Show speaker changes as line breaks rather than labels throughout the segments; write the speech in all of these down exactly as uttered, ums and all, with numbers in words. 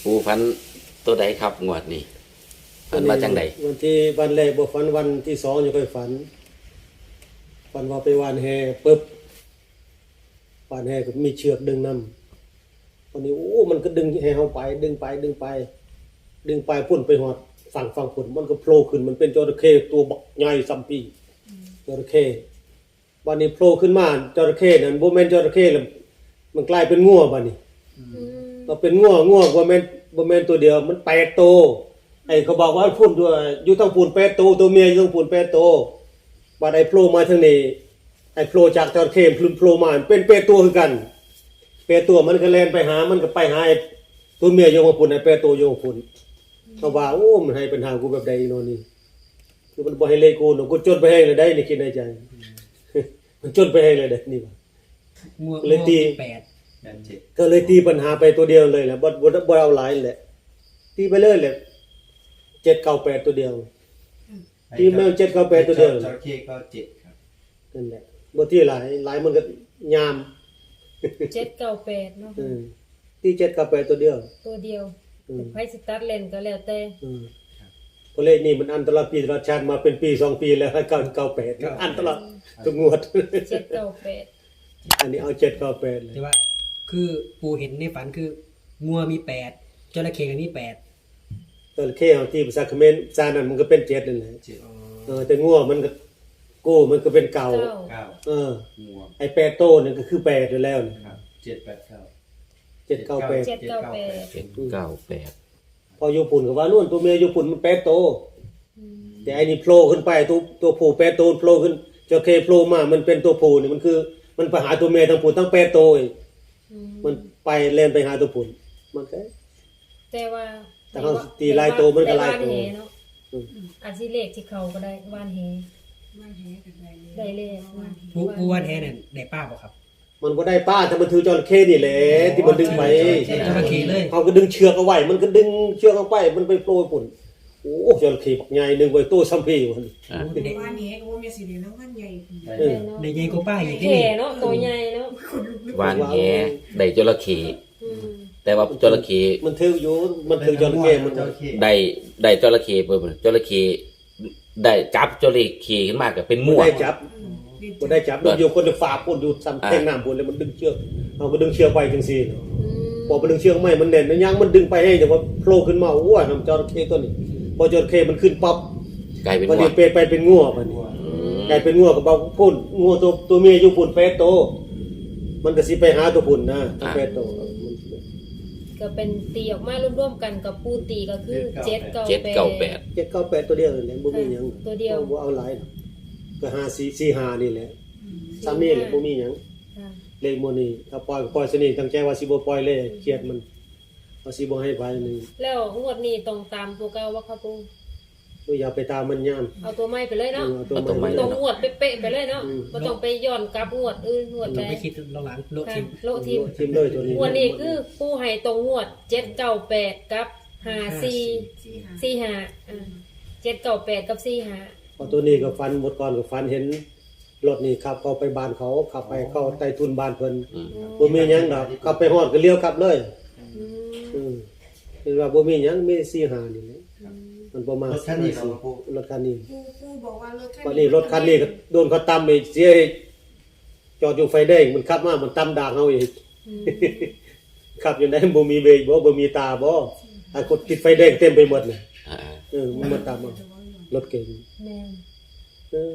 ปูฝันตัวใดครับงวดนี้ฝันว่าจังใด
วันที่วันแรกบ่ฝันวันที่สองยังค่อยฝันฝันว่าไปวานแหปึ๊บวานแหก็มีเชือกดึงนำวันนี้โอ้มันก็ดึงแหเฮาไปดึงไปดึงไปดึงไปพุ่นไปฮอดฝั่งฝั่งพุ่นมันก็โผล่ขึ้นมันเป็นจระเข้ตัวบักใหญ่ซัมปีจระเข้วันนี้โผล่ขึ้นมาจระเข้นั่นบ่แม่นจระเข้แล้วมันกลายเป็นงัวบัดนี้เราเป็นงัวงัวบ่แม่นบ่แม่นตัวเดียวมันแปดตัวไอ้เขาบอกว่าพุ่นด้วยอยู่ทางพุ่นแปดตัวตัวเมียอยู่ทางพุ่นแปดตัวบัดไอ้โผล่มาทางนี้ไอ้โผล่จากจระเข้พลุโผล่มาเป็นแปดตัวคือกันแปดตัวมันก็แล่นไปหามันก็ไปหาไอ้ตัวเมียอยู่ทางพุ่นไอ้แปดตัวอยู่ทางพุ่นเขาว่าโอ้มันให้ปัญหากูแบบใดเนาะนี่คือมันบ่ให้เลขกูเนาะกูจดไปให้เลยได้นี่คิดในใจมันจดไปให้เลยได้นี่ว่าเลยตีแปดก็เลยตีปัญหาไปตัวเดียวเลยแหละบ่บ่บ่เอาหลายแหละตีไปเลยแหละเจ็ด เก้า แปดตัวเดียวตีแมวเจ็ด เก้า แปดตัวเดียวจระเข้ก็เจ็ดครับนั่นแหละบ่ที่หลายหลายมันก็ยาม
เจ็ด เก้า แปดเนาะ
อือตีเจ็ด เก้า แปดตัวเดียว
ตัวเดียวไผสิตัดเล่นก็แล้วแต่
อือเพราะเลขนี้มันอันตรายปีตลอดชาติมาเป็นปีสองปีแล้วให้เก้า เก้า แปดอันตรายทุกงวด
เจ็ด เก้า แปด
อันนี้เอาเจ็ด เก้า แปดเลย
แต่ว่าคือปู่เห็นในฝันคืองัวมีแปดจระเข้ก็มีแปด
จระเข้ที่ภาษาเขมรซานั่นมันก็เป็นเจ็ดนั่นแหละเออแต่งัวมันก็โก้มันก็เป็นเก่าเออไอ้แปดโตนี่ก็คือแปดอยู่แล้วนะครับเจ็ด แปด เก้า เจ็ด เก้า แปด
เจ็ด เก้า แปด
เจ็ด เก้า แปด
พออยู่ปุ่นก็ว่านู่นตัวเมียอยู่ปุ่นมันแปดโตแต่ไอ้นี่โผล่ขึ้นไปตัวตัวผู้แปดโตโผล่ขึ้นจระเข้โผล่มามันเป็นตัวผู้นี่มันคือมันไปหาตัวเมียทั้งผู้ทั้งแปดโตอีกมันไปเล่นไปหาตัวผู้มันแค่
แต่ว่า
แต่เขาตีลายโตมันก็ลายโต
เนาะอาจสิเลขที่เขาก็ได้ว่านแหว่านแหก็ได้ได้เลข
ผู้ผู้ว่านแหเนี่ยได้ป้าบ่ครับ
มันบ่ได้ป้าถ้ามันถือจระเข้นี่แหละที่มันดึงไป
จระเข้เลย
เขาก็ดึงเชือกเอาไว้มันก็ดึงเชือกเอาไปมันไปโปรยปุ่นโอ้จระเข้บักใหญ่นึงไว้โตซัมพีมัน
ว่านแหก็บ่มีสิได้น้ำมันใหญ่
เออได้ใหญ่กว่าป้าอีก
นี่เนาะตัวใหญ่เนาะ
วานแหได้จระเข้แต่ว่าจระเข้
มันถืออยู่มันถือจระเข้มัน
ได้ได้จระเข้เบิ่จระเข้ได้จับจระเข้ขึ้นมาก็เป็นมั่ว
ได้จับบ่ได้จับอยู่คนฝาปุ่นอยู่ซ้ำแทงน้ำปุ่นแล้วมันดึงเชือกเอาก็ดึงเชือกไปจังซี่พอมันดึงเชือกไม่มันแน่นมันยังมันดึงไปให้แต่ว่าโผล่ขึ้นมาโอ้ยน้ำจระเข้ตัวนี้พอจระเข้มันขึ้นปั๊บ
กลายเป็น
มันเป็นไปเป็นงัวบัดนี้กลายเป็นงัวก็บ่พุ่นงัวตัวตัวเมียอยู่พุ่นแปดโตมันก็สิไปหาตัวพุ่นนะแปดโต
ก็เป็นตีออกมารวมๆกันกับปูตีก็คือเจ็ด เก้า แปด
เจ็ด เก้า แปดตัวเดียวนั่นแหละบ่มีหยัง
ตัวเดียว
บ่เอาหลายก็ห้า สี่ สี่ ห้านี่แหละซ้ำนี่แหละบ่มีหยังเลขหมู่นี้ถ้าปล่อยปล่อยซะนี่ตั้งใจว่าสิบ่ปล่อยเลยเครียดมันว่าสิบ่ให้ไปนึง
แล้วงวดนี้ต้องตามตัวเก่าว่าครับปู่
อย่าไปตามมันยาม
เอาตัวใหม่ไปเลยเนาะ
เอาตัวใหม่
ต้องงวดเป๊ะๆไปเลยเนาะบ่ต้องไปย้อนกลับงวดอื่นงวดใด
ต้องไปคิดหลังๆโลทิม
โลทิม
ทิมเลยตัวนี้
งวดนี้คือปู่ให้ตรงงวดเจ็ด เก้า แปดกับห้า สี่ สี่ ห้าอ่าเจ็ด เก้า แปดกับสี่ ห้า
พอตัวนี้ก็ฟันหมดก่อนก็ฟันเห็นรถนี่ขับเข้าไปบ้านเขาขับไปเข้าใต้ทุนบ้านเพิ่นบ่มีหยังดอกขับไปฮอดก็เลี้ยวกลับเลยอืมคือว่าบ่มีหยังมีสี่ ห้านี่แหละมันประมาณรถคันนี้รถคันนี้
ปู่บอกว่ารถคั
นนี้รถคันนี้ก็โดนเขาตำอีกเสียจอดอยู่ไฟแดงมันขับมามันตำด่างเฮาอีกขับอยู่ไหนบ่มีเบรกบ่บ่มีตาบ่ถ้ากดติดไฟแดงเต็มไปหมดน่ะเออมันมาตามรถเก๋งแม่นเออ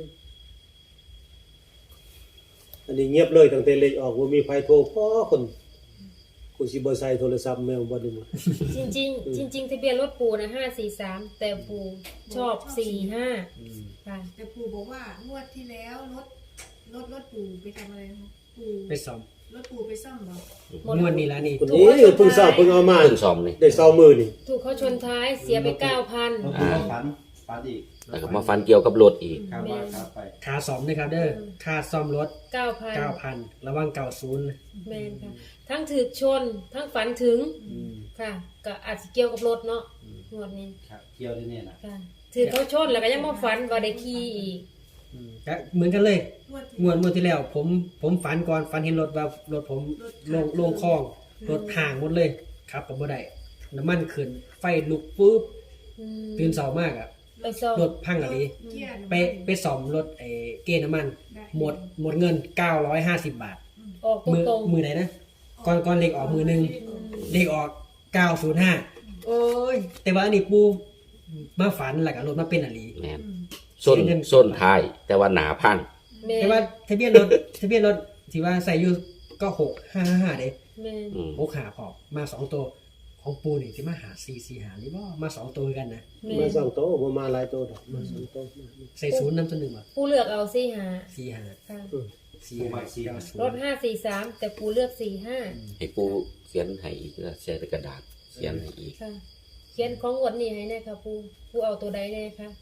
อันนี้เงียบเลยตั้งแต่เลขออกบ่มีไผโทรพอคนกูสิบ่ใส่โทรศัพท์แมวบ่ได้หมด
จริงๆจริงๆทะเบียนรถปู่น่ะห้า สี่ สามแต่ปู่ชอบสี่ ห้าค่ะ
แต่ปู่บอกว่างวดที่แล้วรถรถรถปู่ไปทำอะไรคะปู่
ไปซ่อม
รถปู่ไปซ่อมบ่
งวดนี้ล่ะนี่
คนนี้เพิ่งซ่อมเพิ่งเอามา
เพิ่งซ่อมนี่
ได้ซ่อมมือนี่
ถูกเขาชนท้ายเสียไป เก้าพัน
อ่าฝันฝันอีก
แล้วก็มาฟันเกี่ยวกับรถอีก
ครับว่าครับไป
ค่าซ่อมนะครับเด้อค่าซ่อมรถ
เก้าพัน
เก้าพัน ระวังเก้าสิบ
แม่นค่ะทั้งถูกชนทั้งฝันถึงค่ะก็อาจสิเกี่ยวกับรถเนาะงวดนี้
ครับเกี่ยวด้วยเนี่ยนะ
ค่ะถือเขาชนแล้วก็ยังมาฝันว่าได้ขี่อีก
ก็เหมือนกันเลยงวดงวดที่แล้วผมผมฝันก่อนฝันเห็นรถว่ารถผมลงลงคลองรถห่างหมดเลยครับก็บ่ได้น้ำมันขึ้นไฟลุกปุ๊บ
อืม
ตื่นเช้ามากอ่ะ
ไปซ่อม
รถพังอะไร
เกียร์
ไปไปซ่อมรถไอ้เกณฑ์น้ำมัน
ได้
หมดหมดเงินเก้าร้อยห้าสิบบาท
ออก
มือ
ตรง
มือไหนนะก่อนก่อนเลขออกมือหนึงเลขออกเก้าศูนย์ห้าโอ้ยแต่ว่าอันนี้ปูมาฝันแล้วก็รถมาเป็นอะไร
แม่นส้นส้นท้าย แต่ว่าหนาพัง
ๆแม่
แต่ว่าทะเบียนรถทะเบียนรถที่ว่าใส่อยู่ก็หกห้าห้าเด้
แม่
อืม
หกหาพอมาสองตัวของปูนี่ที่มาหาสี่สี่หานี่ว่ามาสองตัวกันนะ
แม่
มาสองโต๊ะบ่มาหลายโต๊ะดอกมาสองโต๊ะ
ใส่ศูนย์น้ำตัวหนึ่งว่ะ
ผู้เลือกเอาสี่หา
สี่หา
ค่ะ
สี่หาเก้าศูน
รถ
ย์
ห้าสี่สามแต่ผู้เลือกสี่ห้า
ให้ปูเขียนให้อีกแล้วใช้กระดาษเขียนให้อีก
ค่ะ เขียนของงวดนี้ให้แน่ค่ะผู้ผู้เอาตัวใดแน่คะ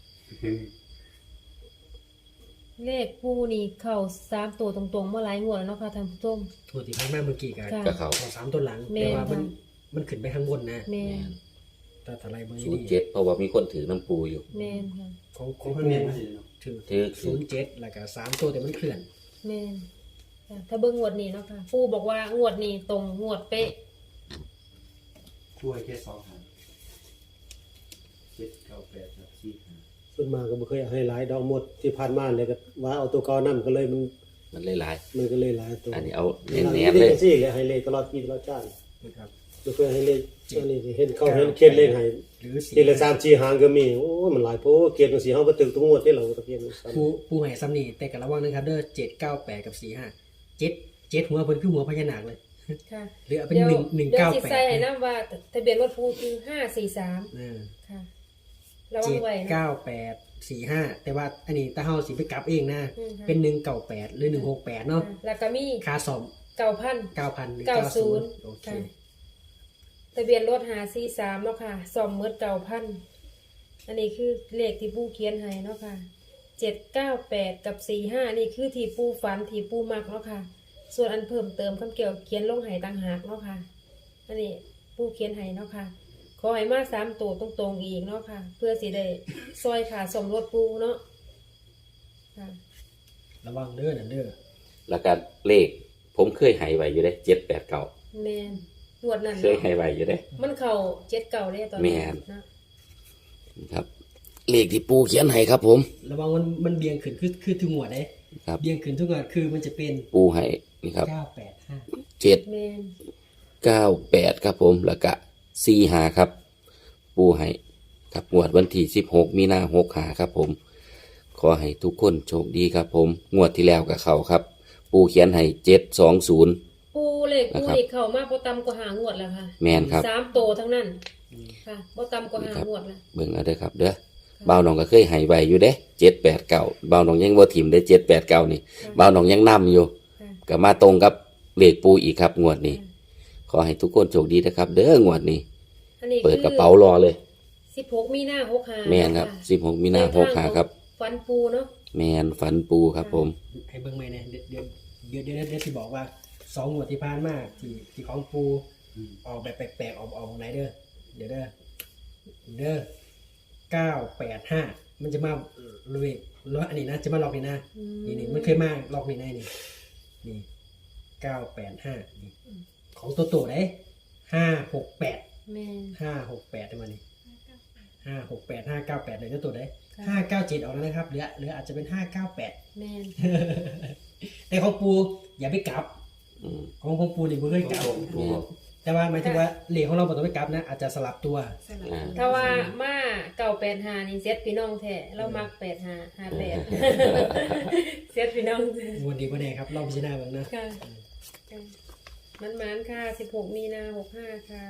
เลขผู้นี่เข้าสามตัวตรงๆเมื่อหลายงวดแล้วเนาะค่ะท่านผู้ชม
ถูกที่พันมาเมื่อกี้กัน
ค่ะ
ก็เขา
ขอสามตัวหลัง
แม่
แต่ว่ามัน
ค่ะ
มันขึ้นไปข้างบนนะ
แม่
แม่น
แต่ทลายเบอร์
ศูน
นี่
ย์เจ็ดเพราะว่ามีคนถือน้ำปูอยู่
แม่นค่ะ
ของข
ข
อ
อง ง
ปู
เพิ่นเรียนมาสิเนาะ
ถือ
ถือ
ศูนย์เจ็ดแล้วก็สามตัวแต่มันเคลื่อน
แม่นค่ะถ้าเบิ่งงวดนี้เนาะค่ะผู้บอกว่างวดนี้ตรงงวดเป๊ะ
ช่วยแค่สองหางเจ็ดเก้าแปดครับสี่หาง
ส่วนมากก็บ่เคยให้หลายดอกหมดที่ผ่านมาเลยก็ว่าเอาตัวเก่านํก็เลยมัน
มันเลยหลาย
มันก็เลยหลายตัว
อันนี้เอา
เน้น
เน้นๆเลย
สิเลยให้เลขตลอดปีตลอดชาติ
นะครับ
บ่เคยให้เลขอันนี้เห็นเขาเห็นเขียนเลขให้
หรือสี่
ทีละสามสี่หางก็มีโอ้ยมันหลายโพเขียนจังซี่เฮาบ่ตึกทุกงวดที่เราตะเกียนซ้ำ
ปูปูให้ซ้ำนี่แต่กับระวังนะครับเด้อเจ็ดเก้าแปดกับสี่ห้าเจ็ดเจ็ดหัวเพิ่นคือหัวพญานาคเลย
ค่ะ
หรือเอาเป็น
เดี๋ยว
หนึ่งหนึ่ง
เดี๋ยว
เก้า
สิ
แปด
ใส่ให้นํว่าทะเบียนรถผู้คือห้าสี่สาม
เออ
ค่ะระวั
เจ็
ง
ด
ไว้นะ
เก้าแปดสี่ห้าแต่ว่าอันนี้ตาเฮาสิไปกลับเองนะ
อืมค่ะ
เป็นหนึ่งเก้าแปดหรือหนึ่งหกแปดเนาะ
ค่ะแล้วก็มี
ค่าสอบ
เก้าพัน
เก้าพันหรือ
เก้า
เก้า
ศู
ศู
น
น
ย์
ย์โอเค
ค่ะทะเบียนรถหาสี่สามเนาะค่ะสอมเมิดเก้าพันอันนี้คือเลขที่ปูเขียนให้เนาะค่ะเจ็ดเก้าแปดกับสี่ห้านี่คือที่ปูฝันที่ปูมักเนาะค่ะ ส่วนอันเพิ่มเติมคำเกี่ยวเขียนลงให้ต่างหากเนาะค่ะ อันนี้ปูเขียนให้เนาะค่ะ ขอให้มาสามตัวตรงๆอีกเนาะค่ะ เพื่อสิได้ซอยขาสมรถปูเนาะค่ะ
ระวังเด้อนั่นเด้อ
แล้วก็เลข ผมเคยให้ไว้อยู่เด้เจ็ดแปดเก้า
แมนงวดนั้น
เคยให้ไว้อยู่เด้
มันเข่าเจ็ดเก่าได้ตอน
แม่
นี้
น
นะ
ครับ เลขที่ปูเขียนให้ครับผม
ระวังมันมันเบี่ยงขึ้นคือคือทุกงวดเด้
ครับ
เบี่ยงขึ้นทุกงวดคือมันจะเป็น
ปูให้นี่ครับ
เก้าแปดห้า
เจ็ด
แมน
เก้าแปดครับผมแล้วก็สี่หาครับ ปูให้ครับงวดวันที่สิบหกมีนาหกหาครับผม ขอให้ทุกคนโชคดีครับผมงวดที่แล้วกับเขาครับ ปูเขียนให้เจ็ดสองศูนย์
ปูเลขปู
นะครับ
นี่เข่ามากพอตำกว่าหางวดแล้วค่ะ
แมนครับ
สามโตทั้งนั้นค่ะพอตำกว่าหางวดแล้ว
เบิ่งเอาเด้อครับ เด้อบ่าวน้องก็เคยให้ไว้อยู่เด้เจ็ดแปดเก้าบ่าวน้องยังบ่ถิ่มได้เจ็ดแปดเก้านี่บ่าวน้องยังนำอยู่
ค่ะ
ก็มาตรงกับเลขปูอีกครับงวดนี้ ขอให้ทุกคนโชคดีนะครับ เด้องวดนี้
อันนี้
เปิดกระเป๋ารอเลย
สิบหกมีนาหกหา
แมนครับสิบหกมีนาหกหาครับ
ฟันปูเนาะ
แมนฝันปูครับผม
ให้เบิ่งไหมเนี่ยเดี๋ยวเดี๋ยวเดี๋ยวเดี๋ยวเดี๋ยวสิบอกว่าสองงวดที่ผ่านมาที่ที่ของปูออกแบบแปลกๆออกออกไหนเด้อเดี๋ยวเด้อเด้อเก้าแปดห้ามันจะมาเลยแล้วอันนี้นะจะมาล็อกนี่นะนี่นี่มันเคยมาล็อกนี่นะนี่นี่เก้าแปดห้านี่ของตัวโตได้ห้าหกแปด
แมน
ห้าหกแปดได้มานี่ห้าหกแปดห้าเก้าแปดเลยตัวโตได้ห้าเก้าเจ็ดออกแล้วนะครับเหลือเหลืออาจจะเป็นห้าเก้าแปด
แมน
แต่ของปูอย่าไปกลับ
อืม
ของของปูนี่บ่เคยกลับ
แม่น
แต่ว่าหมายถึงว่าเหล็กของเราบ่ต้องไปกลับนะอาจจะสลับตัว
สลับ
อ่า
ถ้าว่ามาเก่าแปดหานี่เซ็ตพี่น้องแท้เรามักแปดหาหาแปดเซ็ตพี่น้อง
งวดดีบ่แน่ครับลองพิจารณาเบิ่งนะ
ค่ะมันมันๆค่ะสิบหกมีนาหกห้าค่ะ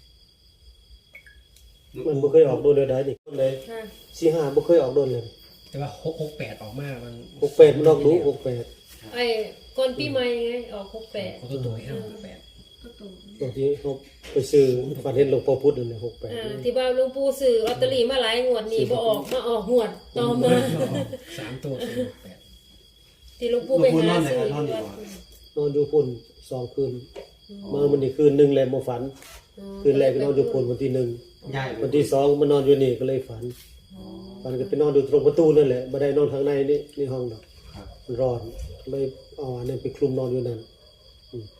มันบ่เคยออกโดนเลยได้นี่เลย
ค่ะ
สี่ห้าบ่เคยออกโดนเลย
แต่ว่าหกหกแปดออกมามัน
หกแปดมันออกดูหกแปด
ไอ้ก่อนปีใหม่ไงออกหกแปด
ของตัวตัวให้ห้าหกแปด
ก็โต
ตอนที่เขาไปซื้อฟันเห็นหลวงพ่อพุธนั่นแหละหกแปด
อ่าที่ว่าหลุงปู่ซื้อลอตเตอรี่มาหลายงวดนี่บ่ออกมาออกงวดต่อมา
สามตัวคือหกแปด
ที่หลุงปู่ไปหาซื้อที่วัด
นอนอยู่พุ่นสองคืนมาวันนี้คืนหนึงแล้วบ่ฝัน คืนแรกก็นอนอยู่พุ่นวันที่หนึ่ง
ย้าย
วันที่สองมานอนอยู่นี่ก็เลยฝันฝันก็ไปนอนอยู่ตรงประตูนั่นแหละบ่ได้นอนข้างในนี่นี่ห้องดอก
ครับ
มันร้อนเลยเอาอันนั้นไปคลุมนอนอยู่นั่นอืม